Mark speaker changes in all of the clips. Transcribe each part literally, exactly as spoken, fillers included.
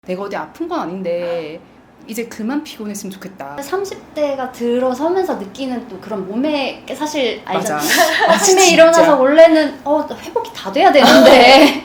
Speaker 1: 내가 어디 아픈 건 아닌데 이제 그만 피곤했으면 좋겠다.
Speaker 2: 삼십 대가 들어서면서 느끼는 또 그런 몸에 사실 알잖아.
Speaker 1: 맞아.
Speaker 2: 아침에 일어나서 원래는 어 회복이 다 돼야 되는데.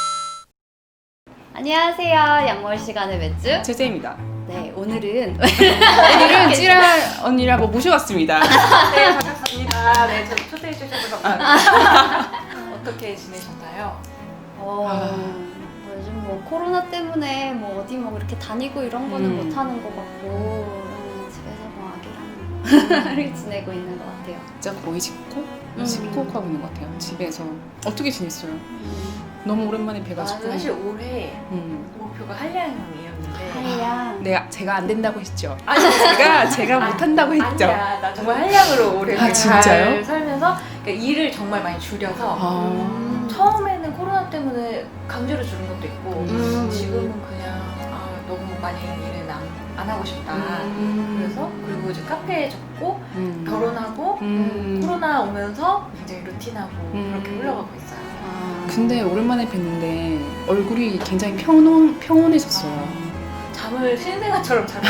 Speaker 2: 안녕하세요. 양월 시간의 맥주
Speaker 1: 제재입니다.
Speaker 2: 네, 오늘은
Speaker 1: 오늘은 찌라 언니라고 모셔왔습니다.
Speaker 3: 네, 반갑습니다. 네, 저 초대해 주셔서 감사합니다. 어떻게 지내셨나요?
Speaker 2: 어, 뭐 요즘 뭐 코로나 때문에 뭐 어디 뭐 이렇게 다니고 이런 거는
Speaker 1: 음.
Speaker 2: 못 하는 것 같고 음, 집에서 뭐 아기랑 이렇게 지내고 있는 것 같아요.
Speaker 1: 진짜 거의 집콕?
Speaker 2: 음.
Speaker 1: 집콕하고 있는 것 같아요. 집에서. 어떻게 지냈어요?
Speaker 2: 음,
Speaker 1: 너무 오랜만에
Speaker 3: 아,
Speaker 1: 뵈가지고.
Speaker 3: 사실 올해
Speaker 1: 음.
Speaker 3: 목표가 한량이었는데
Speaker 2: 하이양.
Speaker 1: 내가 제가 안 된다고 했죠.
Speaker 3: 아니,
Speaker 1: 제가 제가 못 한다고 했죠.
Speaker 3: 아니야, 나 정말 한량으로 올해
Speaker 1: 아,
Speaker 3: 잘
Speaker 1: 진짜요?
Speaker 3: 살면서 그러니까 일을 정말 많이 줄여서
Speaker 1: 아.
Speaker 3: 처음에는 코로나 때문에 강제로 줄인 것도 있고
Speaker 2: 음.
Speaker 3: 지금은 그냥 아, 너무 많이 일을 안, 안 하고 싶다.
Speaker 1: 음.
Speaker 3: 그래서 그리고 이제 카페에 접고
Speaker 1: 음.
Speaker 3: 결혼하고
Speaker 1: 음.
Speaker 3: 코로나 오면서 굉장히 루틴하고
Speaker 1: 음.
Speaker 3: 그렇게 흘러가고 있어요.
Speaker 2: 아.
Speaker 1: 근데 오랜만에 뵀는데 얼굴이 굉장히 평온, 평온해졌어요.
Speaker 3: 잠을 신생아처럼 자고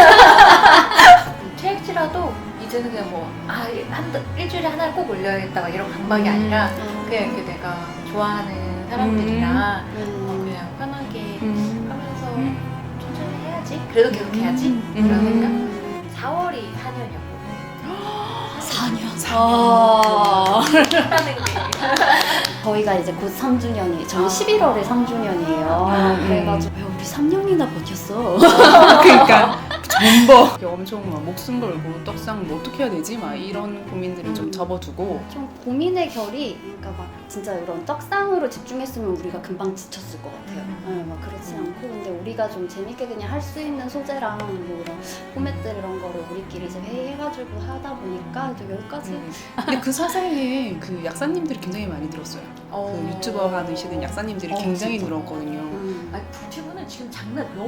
Speaker 3: 체액지라도 이제는 그냥 뭐 아, 한, 일주일에 하나를 꼭 올려야겠다 막 이런 강박이 아니라 그냥 이렇게 내가 좋아하는 사람들이랑
Speaker 2: 음.
Speaker 3: 어, 그냥 편하게
Speaker 1: 음.
Speaker 3: 하면서
Speaker 1: 음.
Speaker 3: 천천히 해야지 그래도 계속 해야지
Speaker 1: 음.
Speaker 3: 그런
Speaker 1: 음.
Speaker 3: 생각. 사월이 사 년이었거든요.
Speaker 2: 사 년.
Speaker 1: 사
Speaker 2: 아.
Speaker 3: 하는 게
Speaker 2: 저희가 이제 곧 삼 주년이, 저희
Speaker 3: 아.
Speaker 2: 십일월에 삼 주년이에요.
Speaker 1: 아,
Speaker 2: 그래가지고 야, 우리 삼 년이나 버텼어.
Speaker 1: 그러니까 전버 엄청 막 목숨 걸고 떡상 뭐 어떻게 해야 되지? 막 이런 고민들을 좀
Speaker 2: 음.
Speaker 1: 접어두고
Speaker 2: 좀 고민의 결이, 그러니까 막 진짜 이런 떡상으로 집중했으면 우리가 금방 지쳤을 것 같아요.
Speaker 3: 음.
Speaker 2: 네, 막 그렇지
Speaker 1: 음.
Speaker 2: 않고, 근데 우리가 좀 재밌게 그냥 할 수 있는 소재랑 뭐 이런 포맷들 이런 거를 우리끼리 이제 회의해가지고 하다 보니까 또 여기까지.
Speaker 1: 음. 근데 그 사사이에 그 약사님들이 굉장히 많이 늘었어요.
Speaker 3: 어.
Speaker 1: 그 유튜버 하시는 약사님들이
Speaker 2: 어,
Speaker 1: 굉장히
Speaker 2: 진짜.
Speaker 1: 늘었거든요.
Speaker 2: 음.
Speaker 3: 아니 뷰티브는 지금 장난 너무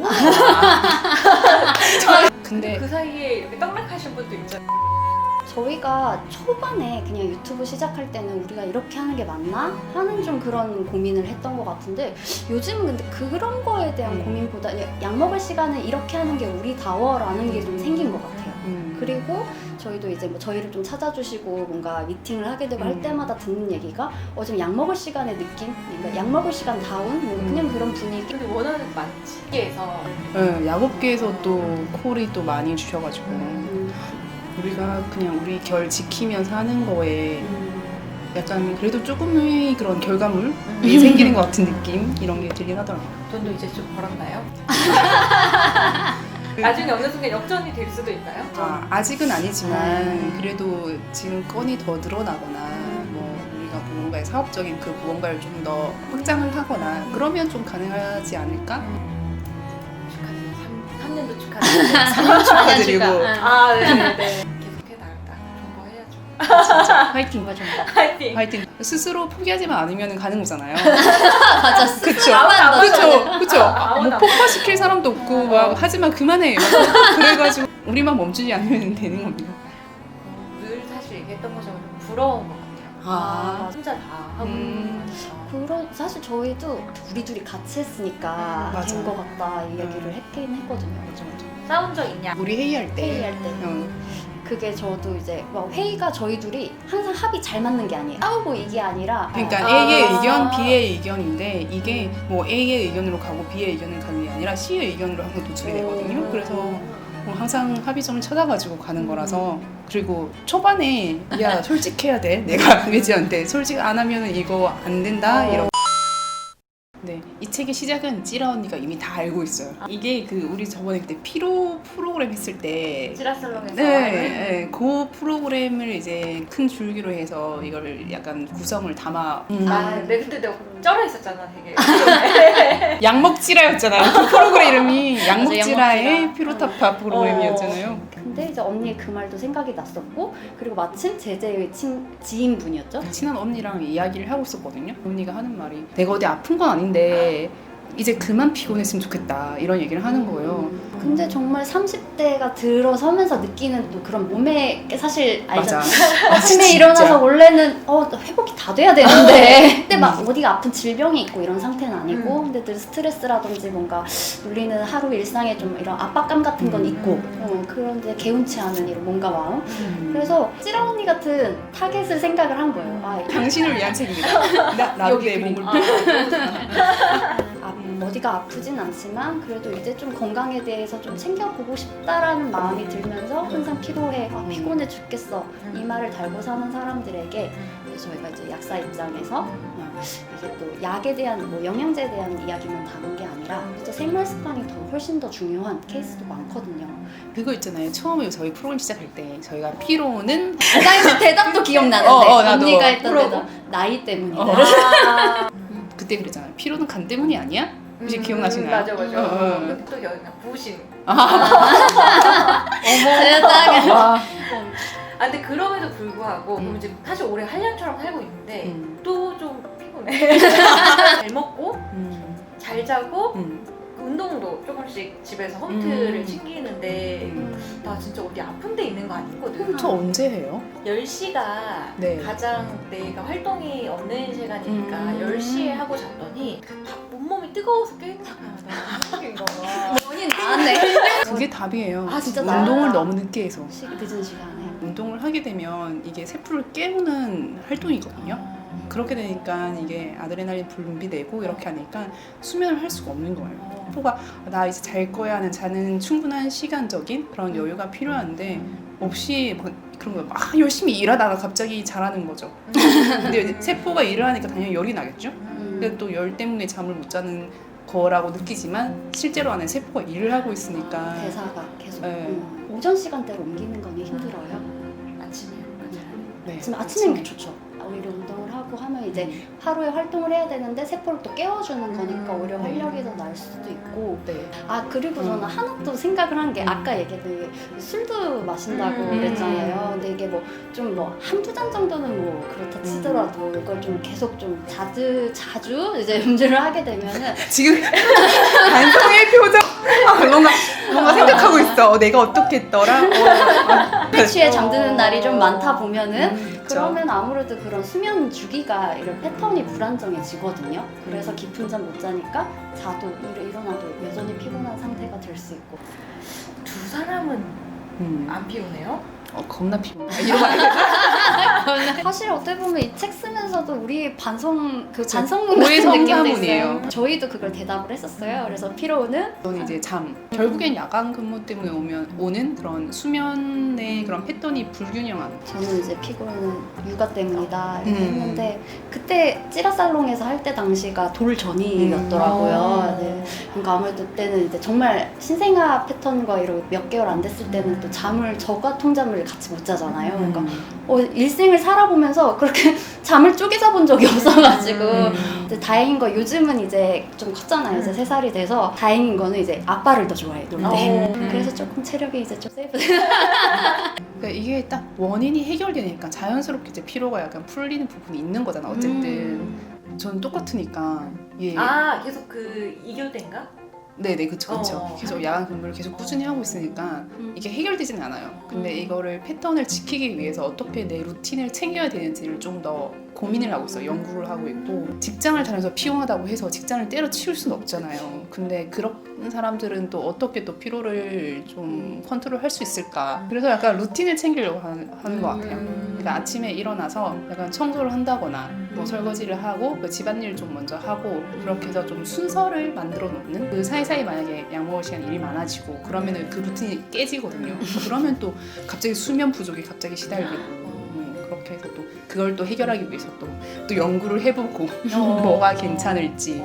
Speaker 3: 많아.
Speaker 1: 근데
Speaker 3: 그 사이에 이렇게 떡락하신 분도 있잖아요.
Speaker 2: 저희가 초반에 그냥 유튜브 시작할 때는 우리가 이렇게 하는 게 맞나? 하는 좀 그런 고민을 했던 것 같은데, 요즘은 근데 그런 거에 대한
Speaker 1: 음.
Speaker 2: 고민보다 약 먹을 시간에 이렇게 하는 게 우리다워라는 게 좀 생긴 것 같아요.
Speaker 1: 음.
Speaker 2: 그리고 저희도 이제 뭐 저희를 좀 찾아주시고 뭔가 미팅을 하게 되고
Speaker 1: 음.
Speaker 2: 할 때마다 듣는 얘기가 어 지금 약 먹을 시간의 느낌? 그러니까 약 먹을 시간 다운? 뭐
Speaker 1: 음.
Speaker 2: 그냥 그런 분위기?
Speaker 3: 근데 원하는 게 많지. 업계에서
Speaker 1: 네, 약업계에서 또 콜이 또 많이 주셔가지고
Speaker 2: 음.
Speaker 1: 우리가 그냥 우리 결 지키면서 하는 거에
Speaker 2: 음.
Speaker 1: 약간 그래도 조금의 그런 결과물이
Speaker 3: 음.
Speaker 1: 생기는 것 같은 느낌? 이런 게 들긴 하더라고요.
Speaker 3: 돈도 이제 좀 벌었나요? 나중에 어느 순간 역전이 될 수도 있나요?
Speaker 1: 아, 아직은 아니지만
Speaker 2: 음.
Speaker 1: 그래도 지금 건이 더 늘어나거나 뭐 우리가 무언가의 사업적인 그 무언가를 좀 더 확장을 하거나 그러면 좀 가능하지 않을까?
Speaker 3: 축하드립니다. 삼 년도 축하드립니다.
Speaker 1: 삼 년 축하드리고
Speaker 3: 아, 네네네. 계속해 나갔다. 공부해야죠.
Speaker 1: 화이팅!
Speaker 3: 파이팅!
Speaker 1: 화이팅! 스스로 포기하지만 않으면 가는 거잖아요.
Speaker 2: 맞아.
Speaker 1: 그쵸?
Speaker 3: 아무도
Speaker 1: 그쵸? 그쵸?
Speaker 3: 아무도
Speaker 1: 뭐
Speaker 3: 안
Speaker 1: 폭파시킬 사람도 없고 막 하지만 그만해! 막 그래가지고 우리만 멈추지 않으면 되는 겁니다.
Speaker 3: 어, 늘 사실 얘기했던 것처럼 좀 부러운 것 같아요.
Speaker 1: 아.
Speaker 3: 혼자 다 하고
Speaker 1: 음.
Speaker 3: 있으니까.
Speaker 2: 그런 사실 저희도 우리 둘이 같이 했으니까
Speaker 1: 맞아.
Speaker 2: 된 것 같다 이 얘기를
Speaker 1: 음.
Speaker 2: 했긴 했거든요.
Speaker 1: 맞아, 맞아.
Speaker 3: 싸운 적 있냐?
Speaker 1: 우리 회의할 때
Speaker 2: 회의할 때.
Speaker 1: 어,
Speaker 2: 그게 저도 이제 막 회의가 저희 둘이 항상 합이 잘 맞는 게 아니에요. 싸우고 이게 아니라
Speaker 1: 그러니까
Speaker 3: 아.
Speaker 1: A의 의견, B의 의견인데 이게 뭐 A의 의견으로 가고 B의 의견을 가는 게 아니라 C의 의견으로 항상 도출이 되거든요.
Speaker 2: 음.
Speaker 1: 그래서 뭐 항상 합의점을 찾아가지고 가는 거라서. 그리고 초반에 야 솔직해야 돼. 내가 외지한테 솔직 안 하면 이거 안 된다
Speaker 2: 어.
Speaker 1: 이러고. 네, 이 책의 시작은 찌라 언니가 이미 다 알고 있어요. 이게 그 우리 저번에 그때 피로 프로그램 했을 때
Speaker 3: 지라살롱에서
Speaker 1: 네, 네, 그 프로그램을 이제 큰 줄기로 해서 이걸 약간 구성을 담아. 음.
Speaker 3: 아, 네, 그때 내가 쩔어 있었잖아, 되게.
Speaker 1: 양먹지라였잖아요. 그 프로그램 이름이 양먹지라의
Speaker 2: 양먹지라.
Speaker 1: 피로타파 프로그램이었잖아요.
Speaker 2: 근데 이제 언니의 그 말도 생각이 났었고, 그리고 마침 제재의 친, 지인분이었죠.
Speaker 1: 친한 언니랑 이야기를 하고 있었거든요. 언니가 하는 말이 내가 어디 아픈 건 아닌데 이제 그만 피곤했으면 좋겠다 이런 얘기를 하는 거예요.
Speaker 2: 근데 정말 삼십 대가 들어서면서 느끼는 또 그런 몸에 사실
Speaker 1: 맞아.
Speaker 2: 알잖아.
Speaker 1: 아,
Speaker 2: 아침에
Speaker 1: 진짜.
Speaker 2: 일어나서 원래는 어 회복이 다 돼야 되는데 근데 막 어디가 아픈 질병이 있고 이런 상태는 아니고
Speaker 3: 음.
Speaker 2: 근데 늘 스트레스라든지 뭔가 울리는 하루 일상에 좀 이런 압박감 같은 건
Speaker 1: 음.
Speaker 2: 있고 어, 그런데 개운치 않은 이런 몸과 마음.
Speaker 3: 음.
Speaker 2: 그래서 찌라 언니 같은 타겟을 생각을 한 거예요. 아,
Speaker 1: 당신을 위한 책입니다. 나, 나도 내
Speaker 3: 그림.
Speaker 1: 몸을
Speaker 3: 아,
Speaker 2: 아, 어디가 아프진 않지만 그래도 이제 좀 건강에 대해서 좀 챙겨보고 싶다라는 마음이 들면서 항상 피로해, 아, 피곤해 죽겠어 이 말을 달고 사는 사람들에게 저희가 이제 약사 입장에서 어, 이게 또 약에 대한 뭐 영양제에 대한 이야기만 다룬 게 아니라 진짜 생활 습관이 더 훨씬 더 중요한 케이스도 많거든요.
Speaker 1: 그거 있잖아요. 처음에 저희 프로그램 시작할 때 저희가 피로는
Speaker 2: 나 이제 대답도 기억나는데
Speaker 1: 어, 어, 나도.
Speaker 2: 언니가 했던
Speaker 1: 뭐라고?
Speaker 2: 대답 나이 때문이다.
Speaker 1: 어.
Speaker 3: 아,
Speaker 1: 그때 그랬잖아요. 피로는 간 때문이 아니야? 혹시
Speaker 3: 음,
Speaker 1: 기억나시나요?
Speaker 3: 맞아 맞아.
Speaker 1: 어, 어.
Speaker 3: 근데 또 기억나. 부심.
Speaker 2: 세상에.
Speaker 1: 와.
Speaker 3: 아 근데 그럼에도 불구하고
Speaker 1: 음.
Speaker 3: 그럼 이제 사실 올해 한량처럼 살고 있는데
Speaker 1: 음.
Speaker 3: 또 좀 피곤해. 잘 먹고
Speaker 1: 음.
Speaker 3: 잘 자고
Speaker 1: 음.
Speaker 3: 운동도 조금씩 집에서 홈트를
Speaker 1: 음.
Speaker 3: 챙기는데
Speaker 1: 음.
Speaker 3: 나 진짜 어디 아픈 데 있는 거 아니거든.
Speaker 1: 저 언제 해요?
Speaker 3: 열 시가
Speaker 1: 네.
Speaker 3: 가장 내가 활동이 없는 시간이니까
Speaker 1: 음.
Speaker 3: 열 시에 하고 잤더니 밥 온몸이 뜨거워서 깨는 거야. 나 웃긴 거야.
Speaker 2: 본인 나왔네.
Speaker 1: 그게 답이에요.
Speaker 3: 아, 진짜?
Speaker 1: 운동을 너무 늦게 해서.
Speaker 2: 시- 늦은 시간에.
Speaker 1: 운동을 하게 되면 이게 세포를 깨우는 활동이거든요. 그렇게 되니까 이게 아드레날린 분비되고 이렇게 하니까 수면을 할 수가 없는 거예요. 세포가 나 이제 잘 거야 하는 자는 충분한 시간적인 그런 여유가 필요한데 없이 막 그런 거 막 열심히 일하다가 갑자기 자라는 거죠. 근데 이제 세포가 일을 하니까 당연히 열이 나겠죠.
Speaker 2: 음.
Speaker 1: 근데 또 열 때문에 잠을 못 자는 거라고 느끼지만 실제로 안에 세포가 일을 하고 있으니까
Speaker 2: 대사가 계속
Speaker 1: 네.
Speaker 2: 음. 오전 시간대로 옮기는 거는 힘들어요.
Speaker 3: 아침에
Speaker 1: 네.
Speaker 2: 지금 아침에는 좋죠. 오히려 운동을 하고 하면 이제 하루에 활동을 해야 되는데 세포를 또 깨워주는 거니까
Speaker 3: 음.
Speaker 2: 오히려 활력이 더 날 수도 있고.
Speaker 1: 네.
Speaker 2: 아 그리고
Speaker 1: 음.
Speaker 2: 저는 하나 또 생각을 한 게
Speaker 1: 음.
Speaker 2: 아까 얘기했던 술도 마신다고
Speaker 3: 음.
Speaker 2: 그랬잖아요. 근데 이게 뭐 좀 뭐 한두 잔 정도는 뭐 그렇다 치더라도 이걸 좀 계속 좀 자주 자주 이제 음주를 하게 되면은
Speaker 1: 지금 반성의 표정 아, 뭔가 뭔가 생각하고 있어. 어, 내가 어떻게 했더라. 어,
Speaker 2: 술 취해 잠드는 날이 좀 많다 보면은
Speaker 1: 음, 그쵸.
Speaker 2: 그러면 아무래도 그런 수면 주기가 이런 패턴이 불안정해지거든요. 그래서 깊은 잠 못 자니까 자도 일- 일어나도 여전히 피곤한 상태가 될 수 있고.
Speaker 3: 두 사람은
Speaker 1: 음.
Speaker 3: 안 피곤해요?
Speaker 1: 어, 겁나 피곤해. 아, 이러면 안 돼.
Speaker 2: 사실 어떻게 보면 이 책 쓰면서도 우리 반성 그
Speaker 1: 그쵸.
Speaker 2: 반성문
Speaker 1: 오해
Speaker 2: 같은 느낌도
Speaker 1: 성사문이에요.
Speaker 2: 있어요. 저희도 그걸 대답을 했었어요. 그래서 피로는
Speaker 1: 저는 이제 잠. 결국엔 야간 근무 때문에 오면 오는 그런 수면의 그런 패턴이 불균형한.
Speaker 2: 저는 이제 피곤은 육아 때문이다 이렇게
Speaker 1: 음.
Speaker 2: 했는데 그때 찌라살롱에서 할 때 당시가 돌 전이었더라고요.
Speaker 3: 음.
Speaker 2: 네. 그러니까 아무래도 그때는 이제 정말 신생아 패턴과 이런 몇 개월 안 됐을 때는 또 잠을 저가 통잠을 같이 못 자잖아요. 그러니까 어, 일생을 살아보면서 그렇게 잠을 쪼개 자본 적이 없어가지고
Speaker 1: 음.
Speaker 2: 이제 다행인 거 요즘은 이제 좀 컸잖아요. 이제 세 살이 돼서 다행인 거는 이제 아빠를 더 좋아해 놀 때.
Speaker 3: 어.
Speaker 2: 그래서 조금 체력이 이제 좀 세이브.
Speaker 1: 그러니까 이게 딱 원인이 해결되니까 자연스럽게 이제 피로가 약간 풀리는 부분이 있는 거잖아. 어쨌든
Speaker 2: 음.
Speaker 1: 저는 똑같으니까. 예.
Speaker 3: 아 계속 그 이교대인가?
Speaker 1: 네네 그쵸 그쵸.
Speaker 3: 어.
Speaker 1: 계속 야간 근무를 계속 꾸준히 하고 있으니까
Speaker 2: 음.
Speaker 1: 이게 해결되지는 않아요. 근데
Speaker 2: 음.
Speaker 1: 이거를 패턴을 지키기 위해서 어떻게 내 루틴을 챙겨야 되는지를 좀 더 고민을 하고 있어요. 연구를 하고 있고 직장을 다녀서 피곤하다고 해서 직장을 때려치울 수는 없잖아요. 근데 그런 사람들은 또 어떻게 또 피로를 좀 컨트롤 할 수 있을까. 그래서 약간 루틴을 챙기려고 하는, 하는 것 같아요. 그러니까 아침에 일어나서 약간 청소를 한다거나 뭐 설거지를 하고 그 집안일 좀 먼저 하고 그렇게 해서 좀 순서를 만들어 놓는 그 사이사이 만약에 약 먹을 시간 일이 많아지고 그러면은 그 루틴이 깨지거든요. 그러면 또 갑자기 수면 부족이 갑자기 시달리고 음, 그렇게 해서 또 그걸 또 해결하기 위해서 또, 또 연구를 해보고 뭐가 괜찮을지.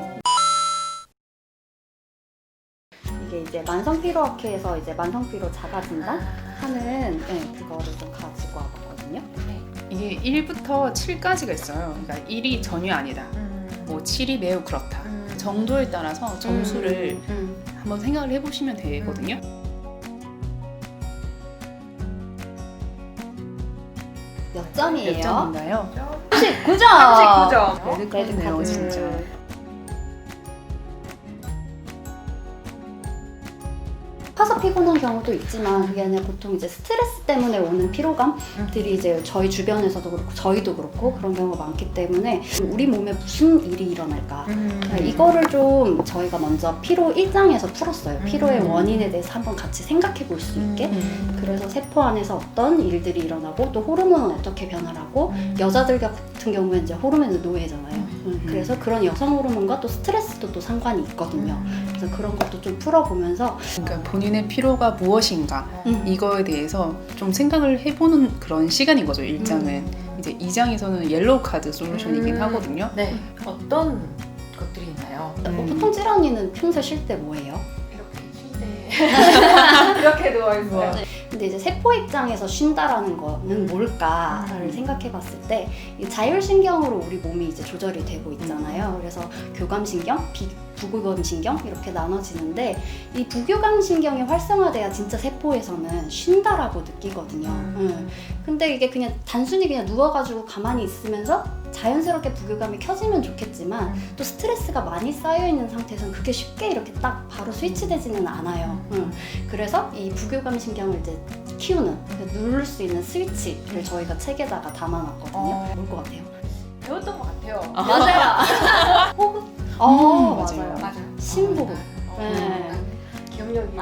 Speaker 2: 이게 이제 만성피로학회에서 이제 만성피로 자가진단
Speaker 3: 아.
Speaker 2: 하는 네, 그거를 좀 가지고 와봤거든요.
Speaker 1: 이게 일부터 칠까지가 있어요. 그러니까 일이 전혀 아니다. 뭐 칠이 매우 그렇다. 정도에 따라서 점수를
Speaker 2: 음, 음.
Speaker 1: 한번 생각을 해보시면 되거든요.
Speaker 2: 몇 점이에요?
Speaker 1: 몇 점인가요?
Speaker 2: 삼십구 점.
Speaker 3: 삼십구 점.
Speaker 1: 레드카드네요,
Speaker 2: 레드카드.
Speaker 1: 진짜.
Speaker 2: 아파서 피곤한 경우도 있지만 그게 아니라 보통 이제 스트레스 때문에 오는 피로감들이 이제 저희 주변에서도 그렇고 저희도 그렇고 그런 경우가 많기 때문에 우리 몸에 무슨 일이 일어날까
Speaker 3: 음.
Speaker 2: 이거를 좀 저희가 먼저 피로 일 장에서 풀었어요. 피로의
Speaker 3: 음.
Speaker 2: 원인에 대해서 한번 같이 생각해 볼 수 있게.
Speaker 3: 음.
Speaker 2: 그래서 세포 안에서 어떤 일들이 일어나고 또 호르몬은 어떻게 변화하고
Speaker 3: 음.
Speaker 2: 여자들 같은 경우에는 이제 호르몬의 노예잖아요. 음, 그래서 그런 여성 호르몬과 또 스트레스도 또 상관이 있거든요. 그래서 그런 것도 좀 풀어보면서
Speaker 1: 그러니까 본인의 피로가 무엇인가
Speaker 2: 음.
Speaker 1: 이거에 대해서 좀 생각을 해보는 그런 시간인 거죠. 일 장은
Speaker 2: 음.
Speaker 1: 이제 이 장에서는 옐로우 카드 솔루션이긴
Speaker 3: 음.
Speaker 1: 하거든요.
Speaker 3: 네. 어떤 것들이 있나요?
Speaker 2: 뭐
Speaker 1: 음.
Speaker 2: 보통 찌라니는 평소에 쉴 때 뭐예요?
Speaker 3: 이렇게 침대에 이렇게 누워 있어요.
Speaker 2: 근데 이제 세포 입장에서 쉰다라는 거는 뭘까를
Speaker 3: 음.
Speaker 2: 생각해 봤을 때 이 자율신경으로 우리 몸이 이제 조절이 되고 있잖아요. 그래서 교감신경, 비, 부교감신경 이렇게 나눠지는데 이 부교감신경이 활성화돼야 진짜 세포에서는 쉰다라고 느끼거든요.
Speaker 3: 음.
Speaker 2: 음. 근데 이게 그냥 단순히 그냥 누워가지고 가만히 있으면서 자연스럽게 부교감이 켜지면 좋겠지만 또 스트레스가 많이 쌓여있는 상태에서는 그게 쉽게 이렇게 딱 바로 스위치되지는 않아요. 음. 그래서 이 부교감신경을 이제 키우는, 누를 수 있는 스위치를 저희가 책에다가 담아놨거든요.
Speaker 3: 어.
Speaker 2: 뭘 것 같아요?
Speaker 3: 배웠던 것 같아요.
Speaker 2: 맞아요. 호흡? 어,
Speaker 1: 음,
Speaker 2: 맞아요.
Speaker 1: 맞아요.
Speaker 3: 맞아요.
Speaker 2: 심호흡.
Speaker 3: 어,
Speaker 2: 네.
Speaker 3: 기억력이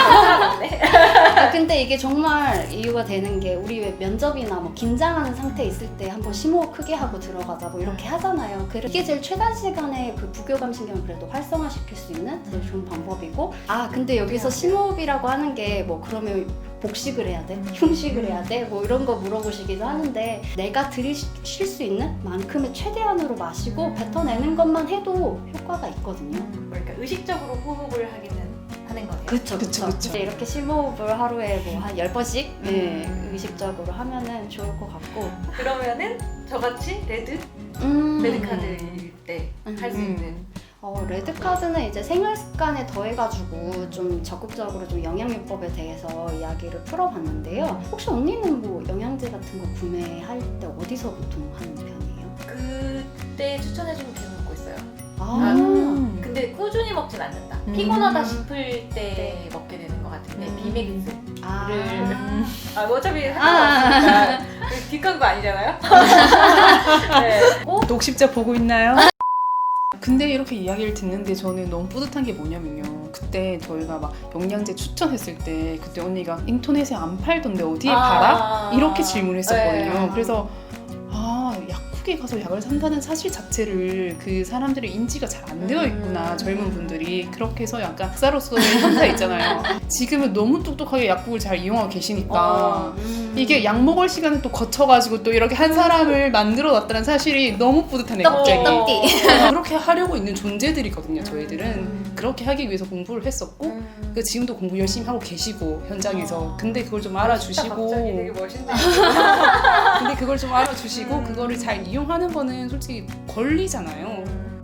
Speaker 2: 아, 근데 이게 정말 이유가 되는 게 우리 왜 면접이나 뭐 긴장하는 상태에 있을 때 한번 심호흡 크게 하고 들어가자 뭐 이렇게 하잖아요. 그래 이게 제일 최단 시간에 그 부교감신경을 그래도 활성화시킬 수 있는 제일 좋은 방법이고 아 근데 여기서 심호흡이라고 하는 게 뭐 그러면 복식을 해야 돼? 흉식을 해야 돼? 뭐 이런 거 물어보시기도 하는데 내가 들이쉴 수 있는 만큼의 최대한으로 마시고 뱉어내는 것만 해도 효과가 있거든요.
Speaker 3: 그러니까 의식적으로 호흡을 하기는 하는 거네요.
Speaker 2: 그쵸,
Speaker 1: 그쵸,
Speaker 2: 그쵸.
Speaker 1: 그쵸.
Speaker 2: 이제 이렇게 심호흡을 하루에 뭐 한 열 번씩 네,
Speaker 3: 음.
Speaker 2: 의식적으로 하면은 좋을 것 같고.
Speaker 3: 그러면은 저같이 레드
Speaker 2: 음.
Speaker 3: 레드 카드일 때 할 수
Speaker 1: 음.
Speaker 3: 있는
Speaker 2: 어, 레드카드는 이제 생활 습관에 더해가지고 좀 적극적으로 좀 영양요법에 대해서 이야기를 풀어봤는데요. 혹시 언니는 뭐 영양제 같은 거 구매할 때 어디서 보통 하는 편이에요?
Speaker 3: 그때 추천해주면 계속 먹고 있어요.
Speaker 2: 아,
Speaker 1: 음.
Speaker 3: 근데 꾸준히 먹진 않는다.
Speaker 1: 음.
Speaker 3: 피곤하다 싶을 때
Speaker 2: 네.
Speaker 3: 먹게 되는 것 같은데
Speaker 2: 음.
Speaker 3: 비맥스.
Speaker 2: 아.
Speaker 1: 음.
Speaker 3: 아 어차피 상관없으니까 뒷광고 아니잖아요. 네. 어?
Speaker 1: 녹십자 보고 있나요? 근데 이렇게 이야기를 듣는데 저는 너무 뿌듯한 게 뭐냐면요. 그때 저희가 막 영양제 추천했을 때 그때 언니가 인터넷에 안 팔던데 어디에
Speaker 3: 아.
Speaker 1: 팔아? 이렇게 질문을 했었거든요.
Speaker 3: 네.
Speaker 1: 그래서 아 약국에 가서 약을 산다는 사실 자체를 그 사람들의 인지가 잘 안 되어 있구나.
Speaker 3: 음.
Speaker 1: 젊은 분들이 그렇게 해서 약간 학사로서의 현사 있잖아요. 지금은 너무 똑똑하게 약국을 잘 이용하고 계시니까
Speaker 3: 어.
Speaker 2: 음.
Speaker 1: 이게 약 먹을 시간을 또 거쳐가지고 또 이렇게 한 사람을 만들어 놨다는 사실이 너무 뿌듯하네 갑자기.
Speaker 2: 떡기.
Speaker 1: 그렇게 하려고 있는 존재들이거든요. 저희들은
Speaker 3: 음.
Speaker 1: 그렇게 하기 위해서 공부를 했었고
Speaker 3: 음.
Speaker 1: 그 지금도 공부 열심히 하고 계시고 현장에서
Speaker 3: 아.
Speaker 1: 근데 그걸 좀
Speaker 3: 진짜
Speaker 1: 알아주시고
Speaker 3: 갑자기 되게 멋있네.
Speaker 1: 근데 그걸 좀 알아주시고
Speaker 3: 음.
Speaker 1: 그거를 잘 이용하는 거는 솔직히 권리잖아요.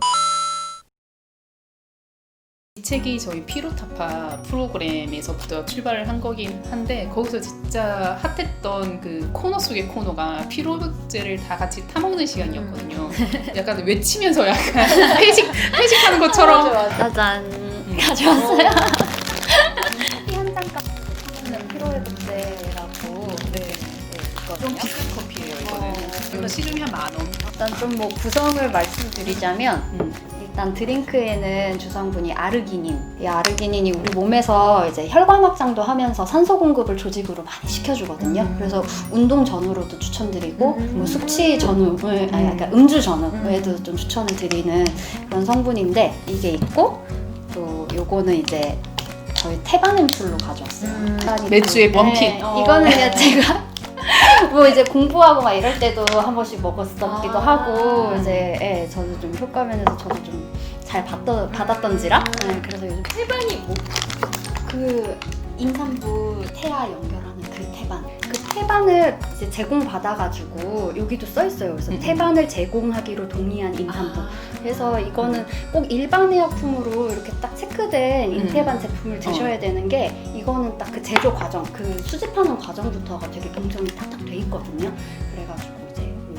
Speaker 1: 이 책이 저희 피로타파 프로그램에서부터 출발을 한 거긴 한데 거기서 진짜 핫했던 그 코너 속의 코너가 피로제를 다 같이 타먹는 시간이었거든요. 약간 외치면서 약간 회식, 회식하는 것처럼
Speaker 2: 짜잔. 가져왔어요. 이 한 잔값 하면 피로회복제라고
Speaker 1: 네.
Speaker 2: 네,
Speaker 1: 좀
Speaker 2: 있거든요.
Speaker 1: 비싼 커피예요 이거는.
Speaker 2: 어.
Speaker 1: 이거 시중에 한 만 원.
Speaker 2: 일단 좀 뭐 구성을 말씀드리자면
Speaker 1: 음.
Speaker 2: 일단 드링크에는 주성분이 아르기닌. 이 아르기닌이 우리 몸에서 이제 혈관 확장도 하면서 산소 공급을 조직으로 많이 시켜주거든요.
Speaker 1: 음.
Speaker 2: 그래서 운동 전후로도 추천드리고
Speaker 3: 음.
Speaker 2: 뭐 숙취 전후를 아니
Speaker 1: 음.
Speaker 2: 그러니까 음주 전후에도 좀 추천을 드리는 그런 성분인데 이게 있고 또 요거는 이제 저희 테바넴풀로 가져왔어요.
Speaker 3: 음.
Speaker 1: 맥주의 원핏.
Speaker 2: 네,
Speaker 3: 어.
Speaker 2: 이거는 그냥 제가 뭐 이제 공부하고 막 이럴 때도 한 번씩 먹었었기도
Speaker 3: 아.
Speaker 2: 하고 이제 예, 저도 좀 효과 면에서 저도 좀 잘 받았던지라 예, 그래서 요즘
Speaker 3: 태반이 뭐?
Speaker 2: 그 임산부 태아 연결하는 그 태반 그 태반을 이제 제공받아가지고 여기도 써 있어요. 그래서
Speaker 1: 음.
Speaker 2: 태반을 제공하기로 동의한 임산부.
Speaker 3: 아.
Speaker 2: 그래서 이거는 꼭 일반 의약품으로 이렇게 딱 체크된
Speaker 1: 음.
Speaker 2: 인태반 제품을 드셔야 되는 게 이거는 딱 그 제조 과정, 그 수집하는 과정부터가 되게 공정이 탁탁 돼 있거든요. 그래가지고 이제 이렇게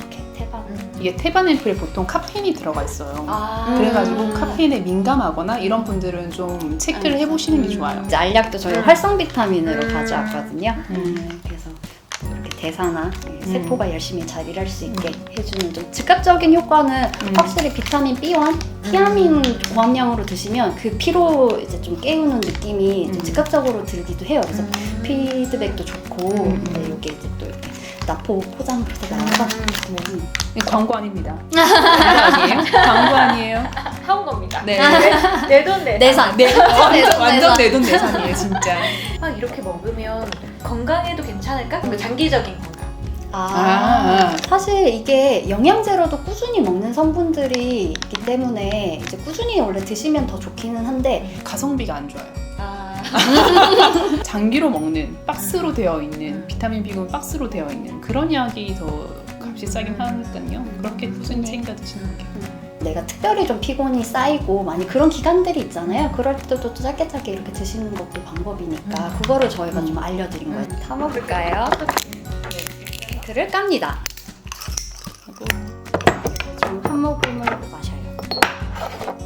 Speaker 2: 태반.
Speaker 1: 이게 테반 앰플에 보통 카페인이 들어가 있어요.
Speaker 2: 아.
Speaker 1: 그래가지고
Speaker 2: 음.
Speaker 1: 카페인에 민감하거나 이런 분들은 좀 체크를 해보시는 게 좋아요.
Speaker 2: 이제 알약도 저희
Speaker 3: 음.
Speaker 2: 활성 비타민으로
Speaker 3: 음.
Speaker 2: 가져왔거든요.
Speaker 1: 음.
Speaker 2: 네, 그래서 이렇게 대사나 세포가 열심히 잘 일할 수 있게 해주는 좀 즉각적인 효과는
Speaker 1: 음.
Speaker 2: 확실히 비타민 비 원, 티아민 고함량으로 드시면 그 피로 이제 좀 깨우는 느낌이 좀
Speaker 1: 음.
Speaker 2: 즉각적으로 들기도 해요. 그래서 피드백도 좋고
Speaker 1: 음.
Speaker 2: 네, 이게 이제 또 이렇게 나포 포장으로 이렇게 나와서 음.
Speaker 1: 이거 광고 아닙니다. 광고 아니에요? 광고 아니에요?
Speaker 3: 사온 겁니다.
Speaker 1: 네.
Speaker 3: 내 돈 내산.
Speaker 2: 내산.
Speaker 1: 네, 완전,
Speaker 2: 내돈,
Speaker 1: 완전
Speaker 2: 내산.
Speaker 1: 내돈 내산이에요, 진짜.
Speaker 3: 아, 이렇게 먹으면 건강에도 괜찮을까? 그 장기적인 건강.
Speaker 2: 아,
Speaker 1: 아.
Speaker 2: 사실 이게 영양제로도 꾸준히 먹는 성분들이 있기 때문에 이제 꾸준히 원래 드시면 더 좋기는 한데
Speaker 1: 가성비가 안 좋아요.
Speaker 3: 아,
Speaker 1: 장기로 먹는 박스로 되어 있는 비타민 B군 박스로 되어 있는 그런 약이 더 값이 싸긴 하니까요. 그렇게 꾸준히 챙겨 드시는 게.
Speaker 2: 내가 특별히 좀 피곤이 쌓이고 많이 그런 기간들이 있잖아요. 그럴 때도 또 짧게 짧게 이렇게 드시는 것도 방법이니까 그거를 저희가 좀 알려드린 거예요. 타먹을까요? 그를 깝니다. 그리고 좀 한 모금을 마셔요.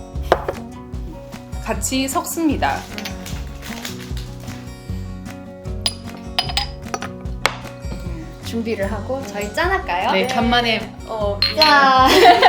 Speaker 1: 같이 섞습니다.
Speaker 2: 준비를 하고 저희 짠할까요?
Speaker 1: 네, 간만에
Speaker 3: 어,
Speaker 2: 짠!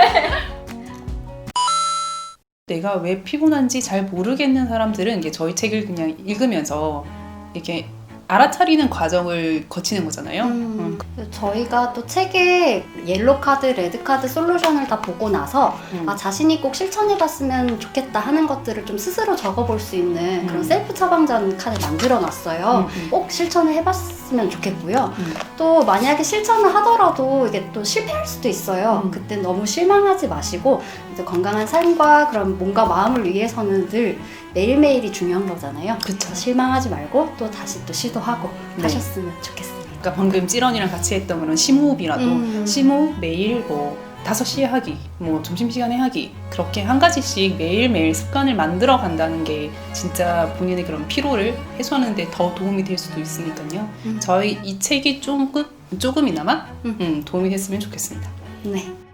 Speaker 1: 내가 왜 피곤한지 잘 모르겠는 사람들은 이게 저희 책을 그냥 읽으면서 이렇게 알아차리는 과정을 거치는 거잖아요.
Speaker 2: 음, 저희가 또 책에 옐로 카드, 레드 카드 솔루션을 다 보고 나서
Speaker 1: 음.
Speaker 2: 아, 자신이 꼭 실천해봤으면 좋겠다 하는 것들을 좀 스스로 적어볼 수 있는 그런
Speaker 1: 음.
Speaker 2: 셀프 처방전 칸을 만들어놨어요.
Speaker 1: 음, 음.
Speaker 2: 꼭 실천을 해봤으면 좋겠고요.
Speaker 1: 음.
Speaker 2: 또 만약에 실천을 하더라도 이게 또 실패할 수도 있어요.
Speaker 1: 음.
Speaker 2: 그때 너무 실망하지 마시고 이제 건강한 삶과 그런 몸과 마음을 위해서는 늘 매일매일이 중요한 거잖아요.
Speaker 1: 그쵸.
Speaker 2: 실망하지 말고 또 다시 또 시도하고
Speaker 1: 네.
Speaker 2: 하셨으면 좋겠습니다.
Speaker 1: 그러니까 방금 찌런이랑 같이 했던 그런 심호흡이라도
Speaker 2: 음.
Speaker 1: 심호흡 매일 뭐 다섯 시에 하기, 뭐 점심시간에 하기 그렇게 한 가지씩 매일매일 습관을 만들어 간다는 게 진짜 본인의 그런 피로를 해소하는 데 더 도움이 될 수도 있으니까요.
Speaker 2: 음.
Speaker 1: 저희 이 책이 조금, 조금이나마
Speaker 2: 음.
Speaker 1: 음, 도움이 됐으면 좋겠습니다.
Speaker 2: 네.